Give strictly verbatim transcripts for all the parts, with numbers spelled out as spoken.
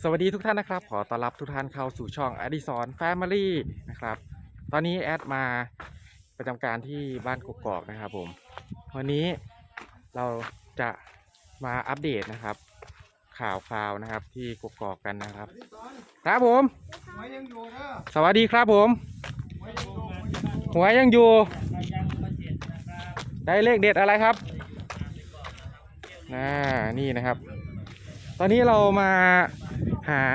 สวัสดีทุกท่านนะครับขอต้อนรับทุกท่านเข้าสู่ช่องอดิสรแฟมิลี่นะครับตอนนี้แอดมาประจำการที่บ้านกกอกนะครับผมวันนี้เราจะมาอัปเดตนะครับข่าวคราวนะครับที่กกอกกันนะครับครับผมสวัสดีครับผมหัวยังอยู่ได้เลขเด็ดอะไรครับน่านี่นะครับตอนนี้เรามาหา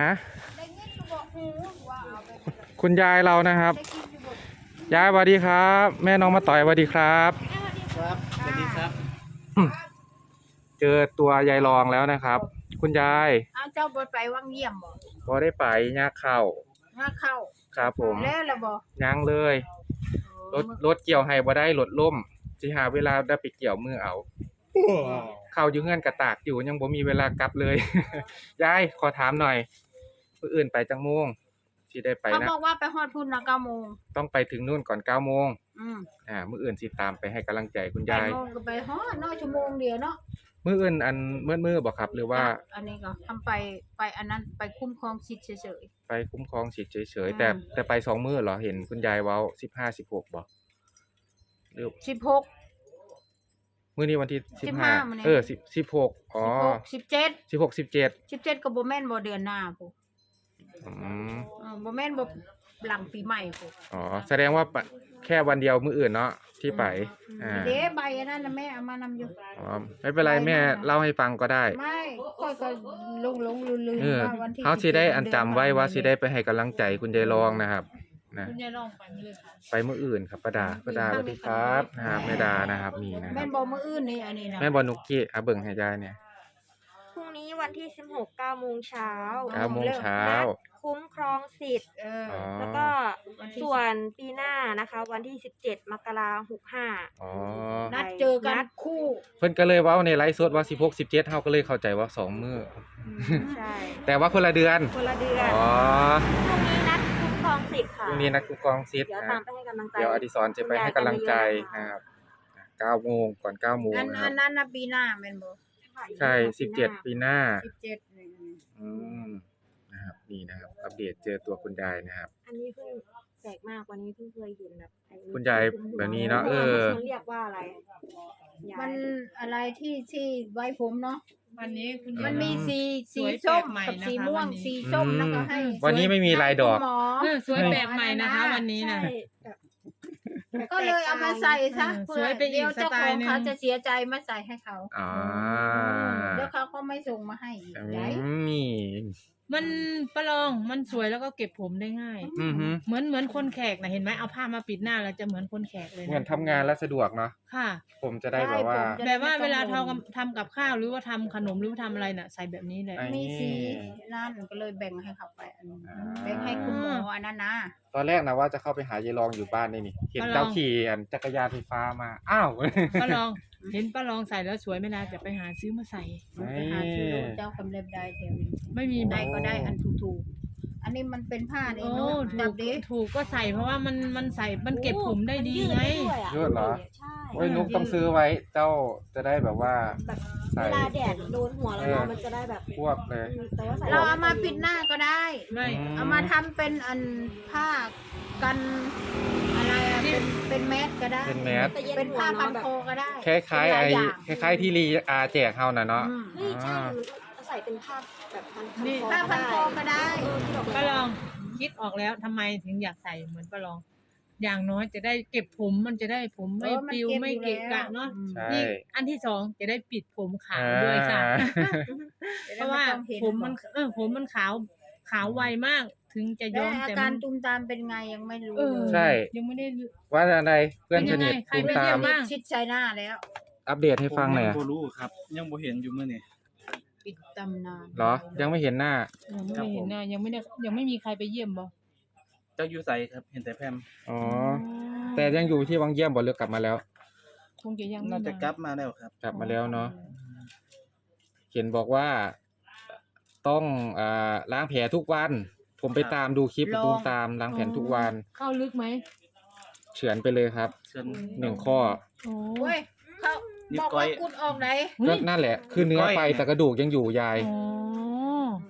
คุณยายเรานะครับยายสวัสดีครับแม่น้องมาต่อยสวัสดีครับครับสวัสดีครับเจอตัวยายรองแล้วนะครับคุณยายเอาเจ้าบดไปวังเยี่ยมบ่พอได้ไปยากเข้ามาเข้าครับผมแล้วละบ่ยังเลยรถรถเกี่ยวให้บ่ได้รถล่มสิหาเวลาได้ไปเกี่ยวมือเอาเข้าอยู่เงื่อนกระตากอยู่ยังบ่มีเวลากลับเลยยายขอถามหน่อยมื้ออื่นไปจังโมงสิได้ไปนะเขาบอกว่าไปฮอดพุ่นนะเก้าโมงต้องไปถึงนู่นก่อนเก้าโมงอืมอ่ามื้ออื่นสิตามไปให้กำลังใจคุณยายแปดโมงก็ไปฮอดเนาะชั่วโมงเดียวเนาะมื้ออื่นอันมืดมืดบ่ครับหรือว่าอันนี้ก็ทำไปไปอันนั้นไปคุ้มครองสิทธิ์เฉยๆไปคุ้มครองสิทธิ์เฉยๆแต่แต่ไปสองมื้อเหรอเห็นคุณยายเว้าสิบห้า สิบหกบ่หรือสิบหกมื้อนี้วันที่สิบห้าเออสิบ สิบหกอ๋อสิบเจ็ดสิบหก สิบเจ็ดสิบเจ็ดก็บ่แม่นบ่เดือนหน้าพุอืมเออบ่แม่นบ่หลังปีใหม่พุอ๋อแสดงว่าแค่วันเดียวมื้ออื่นเนาะที่ไปอ่าเด้ใบอันนั้นน่ะแม่เอามานำอยู่อ๋อไม่เป็นไรแม่เล่าให้ฟังก็ได้ไม่ค่อยก็หลงๆลืมๆว่าวันที่เฮาสิได้อันจำไว้ว่าสิได้ไปให้กำลังใจคุณยายรองนะครับนะคุณยายรองไปมื้อเลยค่ะไปมื้ออื่นครับป้าดาป้าดาสวัสดีครับนะครับแม่ดานะครับนี่นะครับแม่นบ่มื้ออื่นนี่อันนี้นะแม่บ่นุกกี้อ่ะเบิ่งให้ยายเนี่ยพรุ่งนี้วันที่สิบหก เก้าโมงเช้าเก้าโมงเช้าคุ้มครองสิทธิ์เออแล้วก็ส่วนปีหน้านะคะวันที่สิบเจ็ดมกราคมหกสิบห้าอ๋อนัดเจอกันคู่เพิ่นก็เลยเว้าในไลฟ์สดว่าสิบหก สิบเจ็ดเฮาก็เลยเข้าใจว่าสองมื้อใช่แต่ว่าคนละเดือนคนละเดือนอ๋อพรุ่งนี้นัดคุ้มครองสิทธิ์ค่ะพรุ่งนี้นัดคุ้มครองสิทธิ์เดี๋ยวตามไปให้กำลังใจเดี๋ยวอดิศรจะไปให้กำลังใจนะครับเก้าโมงก่อนเก้าโมงอันนะครับนั้นน่ะปีหน้าแม่นบ่ใช่สิบเจ็ดปีหน้าสิบเจ็ดนี่อืมนะครับนี่นะครับอัปเดตเจอตัวคุณยายนะครับอันนี้เพิ่งแปลกมากวันนี้เพิ่งเคยเห็นแบบคุณยายแบบนี้เนาะเออมันเรียกว่าอะไรมันอะไรที่ที่ไว้ผมเนาะวันนี้คุณมันมีสีสีส้มกับสีม่วงสีส้มแล้วก็ให้วันนี้ไม่มีลายดอกสวยแปลกใหม่นะคะวันนี้นะก็เลยเอามาใส่ซะเพื่อเดี๋ยวเจ้าของเขาจะเสียใจมาใส่ให้เขาอ๋อเดี๋ยวเขาก็ไม่ส่งมาให้ได้นี่มันประลองมันสวยแล้วก็เก็บผมได้ง่ายเหมือนเหมือนคนแขกนะเห็นไหมเอาผ้ามาปิดหน้าแล้วจะเหมือนคนแขกเลยเหมือนทำงานแล้วสะดวกเนาะค่ะผมจะได้แบบว่าแบบว่าเวลาทำทำกับข้าวหรือว่าทำขนมหรือว่าทำอะไรน่ะใส่แบบนี้เลยมีสีนั่นก็เลยแบ่งให้เขาไปแบ่งให้คุณหมออันนั้นนะตอนแรกนะว่าจะเข้าไปหายายรองอยู่บ้านนี่นี่เห็นเจ้าขี่อันจักรยานไฟฟ้ามาอ้าวป้าลองเห็นป้าลองใส่แล้วสวยไหมนะจะไปหาซื้อมาใส่ไปหาซื้อเจ้าคำเล็บได้เดี๋ยวนี้ไม่มีได้ก็ได้อันถูกๆอันนี้มันเป็นผ้าเองถูกถูกก็ใส่เพราะว่ามันมันใส่มันเก็บผมได้ดีไงเยอะเหรอโอ้ยนุ๊กต้องซื้อไว้เจ้าจะได้แบบว่าเวลาแดดโดนหัวแล้วมันจะได้แบบพวกเลยเราเอามาปิดหน้าก็ได้ไม่เอามาทำเป็นอันผ้ากันอะไรเป็นเป็นแมสก็ได้เป็นแมสเป็นผ้าพันคอก็ได้คล้ายๆไอ้คล้ายๆที่รีอาแจกเฮาน่ะเนาะนี่ใช่ใส่เป็นผ้าแบบพันคอผ้าพันคอก็ได้ป้าลองคิดออกแล้วทำไมถึงอยากใส่เหมือนป้าลองอย่างน้อยจะได้เก็บผมมันจะได้ผมไม่ปลิวไม่เกะกะเนาะนี่อันที่สองจะได้ปิดผมขาวด้วยค่ะเพราะว่าผมมันเออผมมันขาวขาวไวมากถึงจะย้อมแต่อาการตุ่มตามเป็นไงยังไม่รู้ใช่ยังไม่ได้ว่าอะไรเพื่อนสนิทตุ่มตามชิดใส่หน้าแล้วอัปเดตให้ฟังหน่อยบ่รู้ครับยังบ่เห็นอยู่มื้อนี้ปิดตำนานเหรอยังไม่เห็นหน้ายังไม่เห็นหน้ายังไม่ได้ยังไม่มีใครไปเยี่ยมบ่เจ้าอยู่ไสครับเห็นแต่แพมอ๋อแต่ยังอยู่ที่วังเยี่ยมบ่หรือกลับมาแล้วคงจะยังน่าจะกลับมาแล้วครับกลับมาแล้วเนาะเขียนบอกว่าต้องอ่าล้างแผลทุกวันผมไปตามดูคลิปตูมตามล้างแผลทุกวันเข้าลึกไหมเฉือนไปเลยครับหนึ่งข้อโอ้ยเขาบอกว่ากุดออกไหนก็นั่นแหละคือเนื้อไปแต่กระดูกยังอยู่ยาย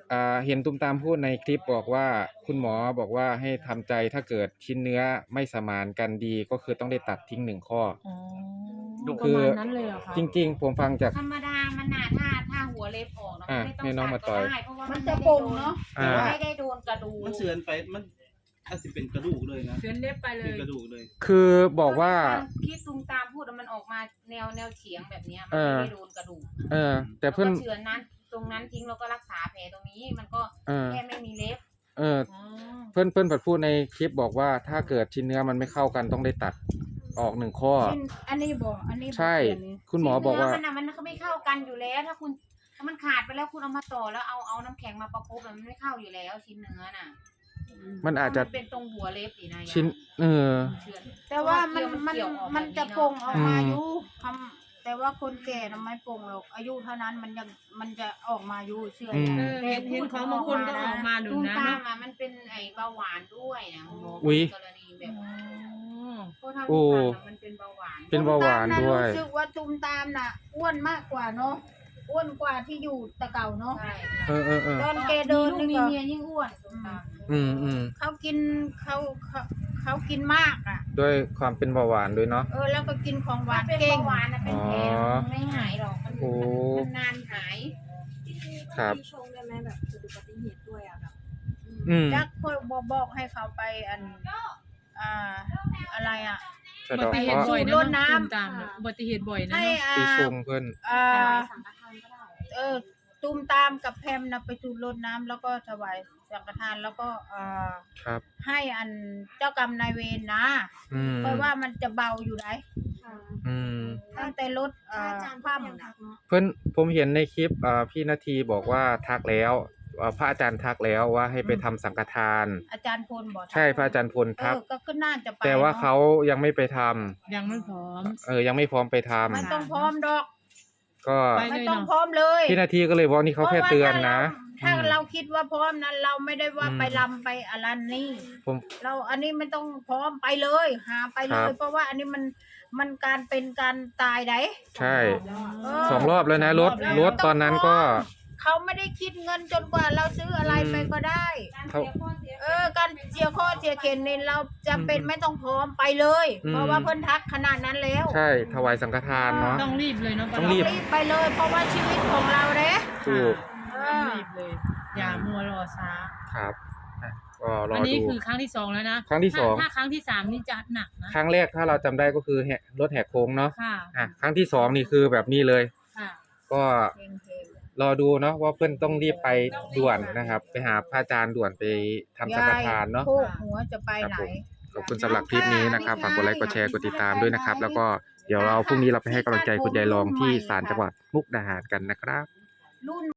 อ่าเห็นตุ้มตามพูดในคลิปบอกว่าคุณหมอบอกว่าให้ทำใจถ้าเกิดชิ้นเนื้อไม่สมานกันดีก็คือต้องได้ตัดทิ้งหนึ่งข้ออ๋อคือประมาณนั้นเลยเหรอคะจริง ๆ ผมฟังจากธรรมดามันน่ะถ้าถ้าหัวเล็บออกเนาะอ่ะไม่ต้องให้น้องตัมาดต่ก็อยได้เพราะว่ามัมันจะไม่ปได้งโดนเนาะอ่าไม่ได้โดนกระดูกมันเสือนไปมันอาจจะเป็นกระดูกเลยนะเชือนเล็บไปเลเป็นยกระดูกเลยคือบอกว่าคิดตุงตามพูดอะมันออกมาแนวแนวเฉียงแบบเนี้ยมันเออไม่ได้โดนกระดูกเออ แต่เพื่อนราก็เฉือนนั้นตรงนั้นทิ้งแล้วก็รักษาแผลตรงนี้มันก็เออแค่ไม่มีเล็บเอออ๋อเพื่อนเพื่อนพูดในคลิปบอกว่าถ้าเกิดชิ้นเนื้อมันไม่เข้ากันต้องได้ตัดออกหนึ่งข้อชิ้นอันนี้บอกอันนี้บอกใช่เขียนนี่คุณหมอบอกว่าเนื้มันน่ะมันก็ไม่เข้ากันอยู่แล้ว ถ้าคุณถ้ามันขาดไปแล้วคุณเอามาต่อแล้วเอาเอาน้ำแข็งมาประคบอะมันไม่เข้าอยู่แล้วชิ้นเนื้อน่ะมันอาจจะมันเป็นตรงหัวเล็บนี่นะชิ้น เออเฉือนแต่ว่ามันเพราะว่ามันเกี่ยวออกมันแบบนี้จะเนอะปงออกมาอืมอยู่ทำแต่ว่าคนแก่น่ะไม่ปงหรอกอายุเท่านั้นมันยังมันจะออกมาอยู่เชื่ออืมเออเห็นเห็นของบางคนก็ออกมาดูตุ้มนะตามเนาะอะมันเป็นไอ้เบาหวานด้วยนะหมออุ๊ยกรณีแบบอ๋อเพราะเท่าโอ้ที่ฟังอะมันเป็นเบาหวานเป็นเบาหวานด้วยตุ้มตมน่ะรู้สึกว่าตุ้มตามน่ะอ้วนมากกว่าเนาะอ้วนกว่าที่อยู่แตะเก่าเนาะใช่เออเออเออตอนแกเดินมีนี่ลูกมีก็เมียยิ่งอ้วนตุ้มตามอืมอืมเขากินเขาเขาเขากินมากอ่ะด้วยความเป็นเบาหวานด้วยเนาะเออแล้วก็กินของหวานเป็นเก่งเบาหวานนะเป็นแผลอ๋อมันไม่หายหรอกมันโอ้มันนานหายครับมีชงได้ไหมแบบเกิดอุบัติเหตุด้วยอ่ะแบบอืมจักคอยบอกบอกให้เขาไปอันอ่าอะไรอ่ะสะอุบัเดาะติเหเคตุราะบ่อยห์นะรดน้ำตุ้มตามเนี่ยอุบัติเหตุบ่อยนะให้เนาะอ่าปีชงเพื่อนอ่าสังฆทานก็ได้เออตูมตามกับแพมนะไปสูบรดน้ำแล้วก็ถวายสังฆทานแล้วก็เอ่อครับให้อันเจ้ากรรมนายเวรนะอืมเพราะว่ามันจะเบาอยู่ไหนค่ะอืมตั้งแต่รถเอ่ถ้าออาจารย์คว่ก็ยังทักำเนาะเพื่อนผมเห็นในคลิปอ่าพี่นาทีบอกว่าทักแล้วอ่าพระอาจารย์ทักแล้วว่าให้ไปทำสังฆทานอาจารย์พลบอกใช่พระอาจารย์พลเอทักอก็ขึ้นน่าจะไปแต่ว่านะเขายังไม่ไปทำยังไม่พร้อมเออยังไม่พร้อมไปทำไม่ต้องพร้อมดอกก็ไปไม่ต้องพร้อมเลยพี่นาทีก็เลยบอกนี่เขาแค่เตือนนะเพราะว่าถ้าอืมเราถ้าเราคิดว่าพร้อมนั้นเราไม่ได้ว่าอืมไปลำไปอะไรนี่ผมเราอันนี้ไม่ต้องพร้อมไปเลย หาไปเลครัยบเพราะว่าอันนี้มันมันการเป็นการตายไดใช่เออสองรอบแล้วนะรถรถตอนนั้นก็เขาไม่ได้คิดเงินจนกว่าเราซื้ออะไรอืมไปก็ได้เขาเออ การเสียข้อเสียเข็นนี่เราจะเป็นอืมไม่ต้องพร้อมไปเลยอืมเพราะว่าเพิ่นทักขนาดนั้นแล้วใช่ถวายสังฆทานเนาะต้องรีบเลยเนาะต้องรีบรีบไปเลย เพราะว่าชีวิตของเราเด้ถูกเอต้องอรีบเลย อย่ามัวรอช้าครับอ่ะก็รออันนี้ดูคือครั้งที่สองแล้วนะครั้งที่สองถ้าถ้าครั้งที่สามนี่จะหนักนะครั้งแรกถ้าเราจำได้ก็คือแหกรถแหกโค้งเนาะค่ะอ่ะครั้งที่สองนี่คือแบบนี้เลยค่ะก็เพลงเพลงรอดูเนาะว่าเพื่อนต้องรีบไปด่วนนะครับ ไปหาพระอาจารย์ด่วนไปทำสังฆทานเนาะโคกหัวจะไปไหนขอบคุณสำหรับคลิปนี้นะครับฝากกดไลค์กดแชร์กดติดตามด้วยนะครับ แล้วก็เดี๋ยวเราพรุ่งนี้เราไปให้กำลังใจคุณยายรองที่ศาลจังหวัดมุกดาหารกันนะครับรุ่น